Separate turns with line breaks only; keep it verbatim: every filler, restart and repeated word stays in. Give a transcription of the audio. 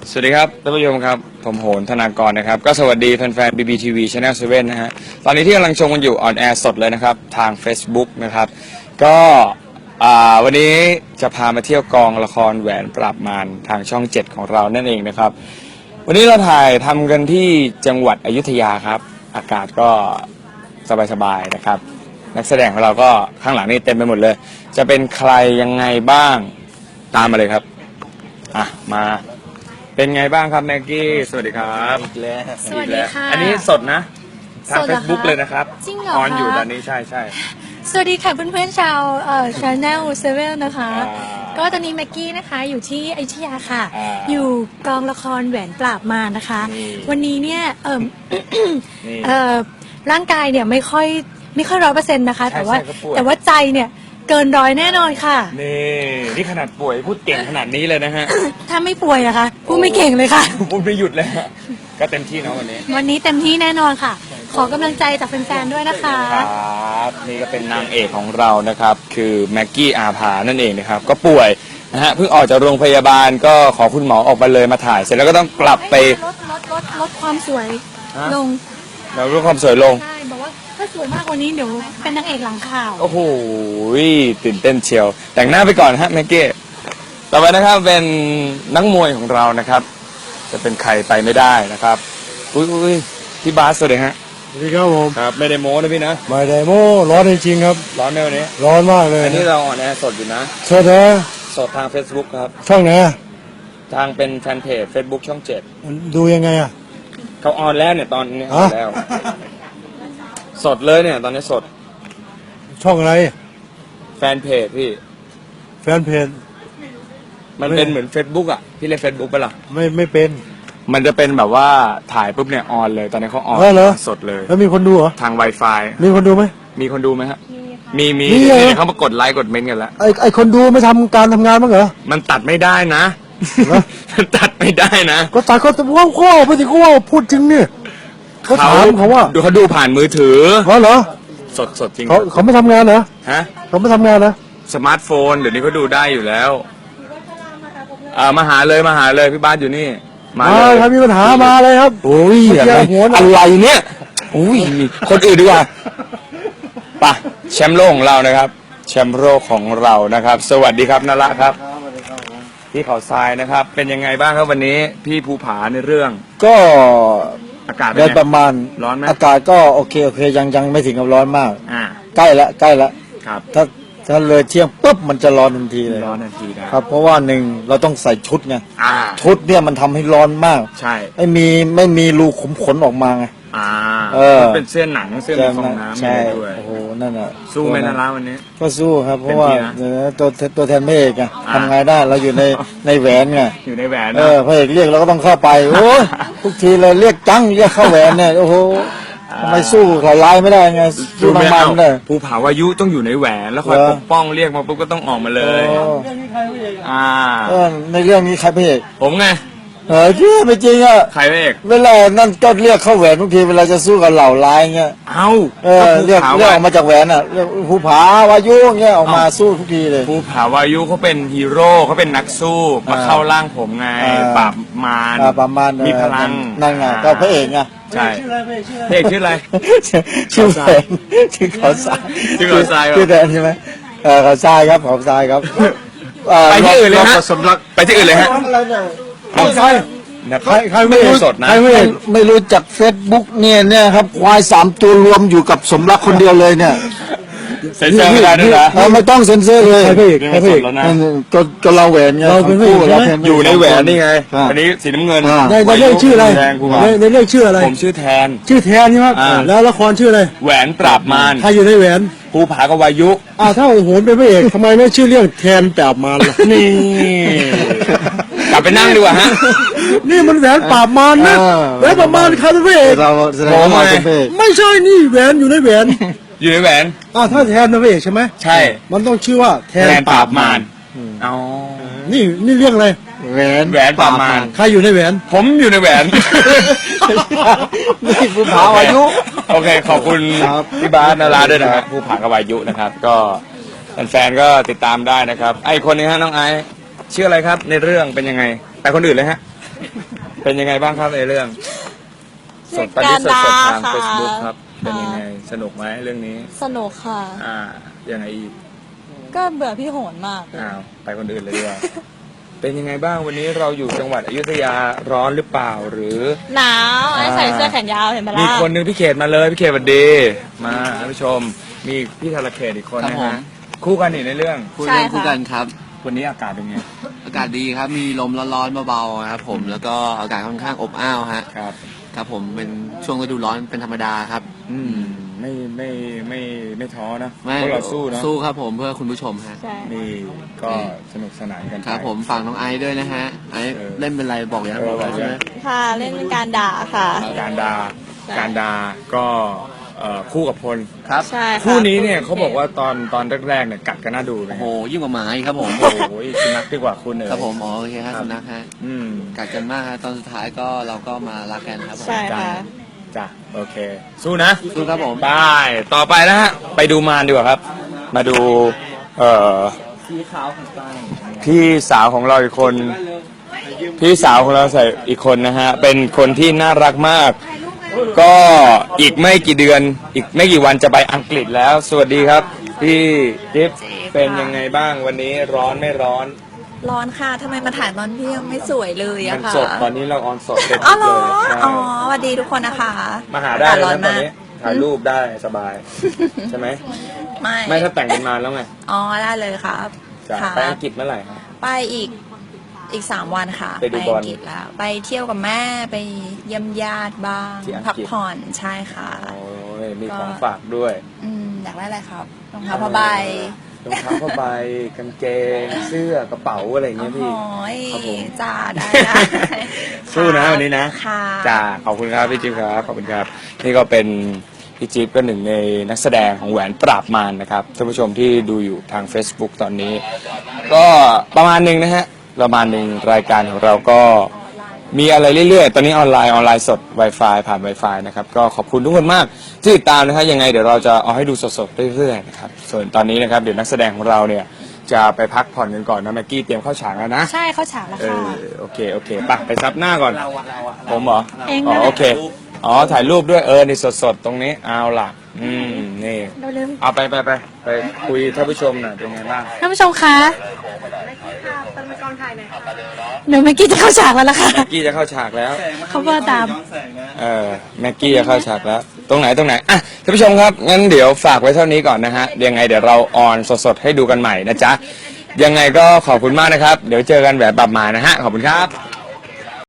สวัสดีครับท่านผู้ชมครับผมโหนธนากรนะครับก็สวัสดีแฟนๆ บี บี ที วี Channel เซเว่นนะฮะตอนนี้ที่กำลังชมกันอยู่ออนแอร์สดเลยนะครับทาง Facebook นะครับก็วันนี้จะพามาเที่ยวกองละครแหวนปราบมารทางช่องเจ็ดของเรานั่นเองนะครับวันนี้เราถ่ายทำกันที่จังหวัดอยุธยาครับอากาศก็สบายๆนะครับนักแสดงของเราก็ข้างหลังนี่เต็มไปหมดเลยจะเป็นใครยังไงบ้างตามมาเลยครับอ่ะมาเป็นไงบ้างครับแม็กกี้สวัสดีครับอีกแล้ว
สวัสดีค่ะ
อันนี้สดนะทาง
สดเหรอคะ
Facebook เลยนะครับ
จริงเหรอ
ออนอยู่
คะ
ตอนนี้ใช่ใช่
สวัสดีค่ะเพื่อนๆชาวเอ่อ Channel เซเว่นนะคะ
อ่า
ก็ตอนนี้แม็กกี้นะคะอยู่ที่อยุธยาค่ะ
อ่า
อยู่กองละครแหวนปราบมารนะคะ
นี่
วันนี้เนี่ยเอ่อ
นี่
เอ่อร่างกายเนี่ยไม่ค่อยไม่ค่อยร้อยเปอร์เซ็นต์นะคะ
ใช่
แต่ว่า
ใช่ก็ป่วย
แต่ว่าใจเนี่ยเกินร้อยแน่นอนค่ะ
นี่นี่ขนาดป่วยพูดเก่งขนาดนี้เลยนะฮะ
ถ้าไม่ป่วยนะคะพูดไม่เก่งเลยค่ะ
พูดไม่หยุดเลยฮะก็เต็มที่เนาะวันนี้
วันนี้เต็มที่แน่นอนค่ะ ขอกำลังใจจากแฟนๆด้วยนะคะ
ครับนี่ก็เป็นนางเอกของเรานะครับคือแม็กกี้อาภานั่นเองนะครับก็ป่วยนะฮะเพิ่งออกจากโรงพยาบาลก็ขอคุณหมอออกมาเลยมาถ่ายเสร็จแล้วก็ต้องกลับไป
ลดลดลดลดความสวย
ฮะ
ลง
เราเรื่องความสวยลง
ใช่บอกว่าถ้าสวยมากกว่านี้เดี๋ยวเป็นนางเอกหลังข่าว
โอ้โหตื่นเต้นเชียว แต่งหน้าไปก่อนฮะแม็กกี้ต่อไปนะครับเป็นนักมวยของเรานะครับ จะเป็นใครไปไม่ได้นะครับอุ้ยอุ้ยพี่บาสสวัสดีฮะ
สวัสดีครับผม
ครับไม่ได้โม้นะพี่นะ
ไม่ได้โม่ร้อนจริงๆครับ
ร้อนไหมวันนี้
ร้อนมากเลย
อันนี้เราออนแอร์สดอยู่นะ
สดนะ
สดทาง Facebook ครับ
ช่องไหนอะ
ทางเป็นแฟนเพจ Facebook ช่องเจ็ด
ดูยังไงอ่ะ
เขาออนแล้วเนี่ยตอนนี้ออน
ฮะ
แล้ว สดเลยเนี่ยตอนนี้สด
ช่องอะไร
แฟนเพจพี่
แฟนเพจ
มันเป็นเหมือน Facebook อ่ะพี่เล่น Facebook ปะล่ะ
ไม่ไม่เป็น
มันจะเป็นแบบว่าถ่ายปุ๊บเนี่ยออนเลยตอนนี้เขาออน
เออเหรอ
สดเลย
แล้วมีคนดูเหรอ
ทาง Wi-Fi
มีคนดูไหม
มีคนดูไหมฮะมีมี
มีเหรอ
เนี่ยเขามากดไลค์กดเมนต์กันแล้ว
ไอไอคนดูไม่ทำการทำงานบ้างเหรอ
มันตัดไม่ได้นะ
เหรอ
มันตัดไม่ได้นะ
ก็ตายก็ว้าวว้าวไปสิว้าวพูดจริงเนี่ยเขาถามเขาว่า
ดูเขาดูผ่านมือถือ
เขาเหรอ
สดสดจริง
เขาเขาไม่ทำงานเหรอ
ฮะ
เขาไม่ทำงานนะ
สมาร์ทโฟนเดี๋ยวนี้เขาดูได้อยู่แล้วอ่ามาหาเลยมาหาเลยพี่บ้านอยู่นี่มา
มา
เลย
ถ้ามีปัญหามาเลยครับ
โอ้ย
เมื่อกี้
อะไร
หัวหน้า
อะไรเนี่ยโอ้ยคนอื่นดีกว่าไปะแชมป์โลกของเรานะครับแชมป์โลกของเรานะครับ สวัสดีครับนระครับพี่เขาทรายนะครับ เป็นยังไงบ้างครับวันนี้พี่ภูผาในเรื่อง
ก็
อากาศเป็น
ได้
ไง
ประมาณ
ร้อนไหม
อากาศก็โอเคโอเคยังยังไม่ถึงกับร้อนมาก
อ่า
ใกล้ละใกล้ละ
ครับ
ถ้าถ้าเลยเที่ยงปุ๊บมันจะร้อนทันทีเลย
ร้อนทันทีนะครับ
เพราะว่าหนึ่งเราต้องใส่ชุดไง
อ่า
ชุดเนี่ยมันทำให้ร้อนมาก
ใช่
ไม่มีไม่มีรูขุมขนออกมาไง
อ่า
เออ
มันเป็นเสื้อหนังเสื้อมีฟองน้ำ
ใช่
อะไรด้วย
โอ้โหนั่นน่ะ
สู้ไหมนะร้าวันนี้
ก็สู้ครับ เพราะว่า
เต็มที่นะ
เดี๋ยวนะตัวตัวแทนพระเอกไง
อ่า
ทำไงได้เราอยู่ในในแหวนไง
อยู่ในแหวน
เอ
นะ
อพระเอกเรียกเราก็ต้องเข้าไปโอ้ยทุกทีเลยเรียกจังเรียกเข้าแหวนเนี่ยโอ้โหทำไมสู้เขาไล่ไม่ได้ไงสู้
ไม่
นางมัน
เอา
เลย
ภูผาวายุต้องอยู่ในแหวนแล้วคอย
เหรอ
ปกป้องเรียกมาปุ๊บก็ต้องออกมาเลย
โอ้
อ่า
เออในเรื่องนี้ใครพระเอก
ผมไง
เออที่ไม่จริงอ่ะ
ใครพระเอก
เวลานั่นก็เรียกเข้าแหวนทุกทีเวลาจะสู้กับเหล่าร้ายเงี้ย
เอ้า
เออเรียก
ภู
เรียก
ผา
ออกมาจากแหวนอ่ะเรียกภูผาวายุเงี้ยออกมาสู้ทุกทีเลย
ภูผาวายุเขาเป็นฮีโร่เขาเป็นนักสู้มา
อ่า
เข้าร่างผมไง
อ่า
ปราบมาร
อ่าประมาณ
มีพลัง
นั่นไงก็พระเอกไง
ใช่พระเอกชื่ออะไร
ชื่อแหวนชื่อเขาทราย
ชื่อเขาทรายเหรอ
ชื่อแดนใช่ไหมเออเขาทรายครับเขาทรายครับเ
ไปที่อื่นเลยฮะ
รบสมรัก
ไปที่อื่นเลยฮะ
เขาทราย
นะ
ใครใครไม่รู้
สดนะ
ใครไม่
ไม่
เห็น
ไม่รู้จักเฟซบุ๊กเนี่ยเนี่ยครับควายสามตัวรวมอยู่กับสมรักคนเดียวเลยเนี่ย
เซ็นเซอร์ไม่ได้ด้วยนะ
เออไม่ต้องเซ็นเซอร์เลย
ใครพระเอกใครพระเอก
แล้วนะ
นั่นก็ก็เราแหวนไง
เราเป็นพระเอก
ทั้งคู่
ใช่ไหม
ราเป็พระเก
อยู่ในแหวนนี่ไง
อ่า
อันนี้สีน้ำเงิน
อ่า
ในในเรื่องชื่ออะไร
แดงภูผา
ในในเรื่องชื่ออะไร
ผมชื่อแทน
ชื่อแทนใช่ไหม
อ่า
แล้วละครชื่ออะไร
แหวนปราบมาร
ใครอยู่ในแหวน
ภูผากับวายุ
อ่าถ้าโหนเป็นพระเอกทำไมไม่ชื่อเรื่องแทนปราบมารล่ะ
นี่ กลับไปนั่งดีกว่าฮะ
นี่มันแหวนปราบมารนะ
เออ
แหวนปราบมารใครเป็นพระเอก
เราแสดงว่าเราเป็นพระเอก
ไม่ใช่นี่แหวนอยู่ในแหวน
อยู่ในแหวน
อ่าถ้าแทนเป็นพระเอกใช่ไหม
ใช่
มันต้องชื่อว่าแท
แท
น
นปราบมารอ๋อ
นี่นี่เรื่องอะไร
แหวน
แหวนปราบมาร
ใครอยู่ในแหวน
ผมอยู่ในแหวน
นี่ภูผาวายุ
โอเค ขอบคุณพี่บาสนาราด้วยนะครับผู้ผากบวายุนะครับ ก็แฟนๆก็ติดตามได้นะครับ ไอคนนี้ฮะน้องไอซ์ชื่ออะไรครับในเรื่องเป็นยังไงไปคนอื่นเลยฮะเป็นยังไงบ้างครับในเรื่องสดตอนนี้สดๆทาง Facebook ครับ เป็นยังไงสนุกไหมเรื่องนี้
สนุกค่ะ
อ่ายังไงอีก
ก็เบื่อพี่โหนมาก
อ้าวไปคนอื่นเลยดีกว่า เป็นยังไงบ้างวันนี้เราอยู่จังหวัดอยุธยาร้อนหรือเปล่าหรือ
หนาวไอ้ใส่เสื้อแขนยาวเห็นไหม
มี
ล่ะ
คนหนึงพี่เขตมาเลยพี่เขตสวัสดี มาท่านผู้ชมมีพี่ธารเขตอีกคน
ครับ
นะ
ผม
ฮะคู่กันอีกในเรื่อง
พูดเรื่องคู่กันครับ
วันนี้อากาศเป็นไง
อากาศดีครับ มีลมร้อนๆเบาๆครับผม แล้วก็อากาศค่อนข้างอบอ้าวฮะ
ครับ
ครับผม เป็นช่วงฤดูร้อนเป็นธรรมดาครับ
อืมไม่ไม่ไม่ไม่ท้อนะ
ไม่
พวกเราสู้นะ
สู้ครับผมเพื่อคุณผู้ชมฮะ
ใช่
นี่ก็สนุกสนานกันไป
ครับผมฝากน้องไอซ์ด้วยนะฮะ ไอซ์
เออ
เล่นเป็นไรบอกยัง
เออ
บอกแล้ว
บอก
ใช่ไหม
ยัง
ค่ะเล่นเป็นการด่าค่ะ
การดา
ใช่
การดาก็เอ่อคู่กับพล
ครับ
ใช่ะ
คู่นี้เนี่ยเขาบอกว่าตอนตอนแรกๆเนี่ยกัดกันน่าดูเลย
โอ้โหยิ่งกว่าหมาอีกครับผม
โอ้โหสุนัขดีกว่าคุณเอ๋ย
ครับผมอ๋อโอเคครับสุนัขฮะ
อืม
กัดกันมากฮะตอนสุดท้ายก็เราก็มารักกันครับผม
ใช่
จ้ะ
ค่ะ
จ้ะโอเค สู้นะ
สู้ครับผม
ไปต่อไปนะฮะไปดูมารดีกว่าครับ มาดูเอ่อ
สีขาวของตา
พี่สาวของเราอีกคน พี่สาวของเราใส่อีกคนนะฮะเป็นคนที่น่ารักมาก ก็อีกไม่กี่เดือน อีกไม่กี่วันจะไปอังกฤษแล้ว สวัสดีครับ พี่จิ๊บเป็นยังไงบ้างวันนี้ร้อนไม่ร้อน
ร้อนค่ะ ทำไมมาถ่ายตอนพี่ยังไม่สวยเลย
มั
อะ
น
ค่ะ
สดตอนนี้เราออนสดเต็ม
อ๋อ
ที่
เหร
เล
อย
ใช่
อ๋อสวัสดีทุกคนนะคะ
มาหาได้เลย
ร้อน
นะตอน
มาก
นี้ถ่ายรูปได้สบาย ใช่ไหม
ไม่
ไม่ถ้าแต่งกันมาแล้วไง
อ๋อ ได้เลยครับ
จะ
ค่ะ
ไปอังกฤษเมื่อไหร่ครับ
ไปอีก อีกสามวันค่ะ
ไปดูบอล
อังกฤษแล้ว ไปเที่ยวกับแม่ ไปเยี่ยมญาติบ้าง
ที่อังกฤษ
พักผ่อน ใช่ค่ะ
โอ้ยมีของฝากด้วย
อืม อยากได้อะไรครับ รองเท้าผ้าใบ
รองเท้าผ้าใบกางเกง เสื้อกระเป๋าอะไรอย่าง
โอ้
เงี้ย
โห
พี่ ครับผม
จ้าได้ได้
สู้นะวันนี้นะ
ค่ะ
จ้าขอบคุณครับพี่จิ๊บครับขอบคุณครับ นี่ก็เป็นพี่จิ๊บก็หนึ่งในนักแสดงของแหวนปราบมารนะครับท่านผู้ชมที่ดูอยู่ทาง Facebook ตอนนี้ ก็ประมาณหนึ่งนะฮะประมาณหนึ่งรายการของเราก็มีอะไรเรื่อยๆ ตอนนี้ออนไลน์ออนไลน์สด Wi-Fi ผ่าน Wi-Fi นะครับก็ขอบคุณทุกคนมากที่ติดตามนะครับยังไงเดี๋ยวเราจะเอาให้ดูสดๆเรื่อยๆนะครับส่วนตอนนี้นะครับเดี๋ยวนักแสดงของเราเนี่ยจะไปพักผ่อนกันก่อนนะแม็กกี้เตรียมเข้าฉากแล้วนะ
ใช่เข้าฉากแล้ว
เอ
ค่ะ
อโอเคโอเคไปไปซับหน้าก่อนผมเหรอ
เอง
อ๋
นั่
อน
แหละ
โอเคอ๋อถ่ายรูปด้วยเออนี่สดๆตรงนี้เอาล่ะอืมนี่
เร็ว
เอาไปไปไปไปคุยท่านผู้ชมหน่อยเป็นไงบ้าง
ๆท่านผู้ชมคะเดี๋ยวเมื่อกี้จะเข้าฉากแล้วล่ะค่ะ
แม็กกี้จะเข้าฉากแล้ว
เขาเบอร์ตาม
เออแม็กกี้จะเข้าฉากแล้ว ตรงไหนตรงไหนอ่ะท่านผู้ชมครับงั้นเดี๋ยวฝากไว้เท่านี้ก่อนนะฮะยังไงเดี๋ยวเราออนสดๆให้ดูกันใหม่นะจ๊ะยังไงก็ขอบคุณมากนะครับ เดี๋ยวเจอกันแบบปรับมานะฮะขอบคุณครับ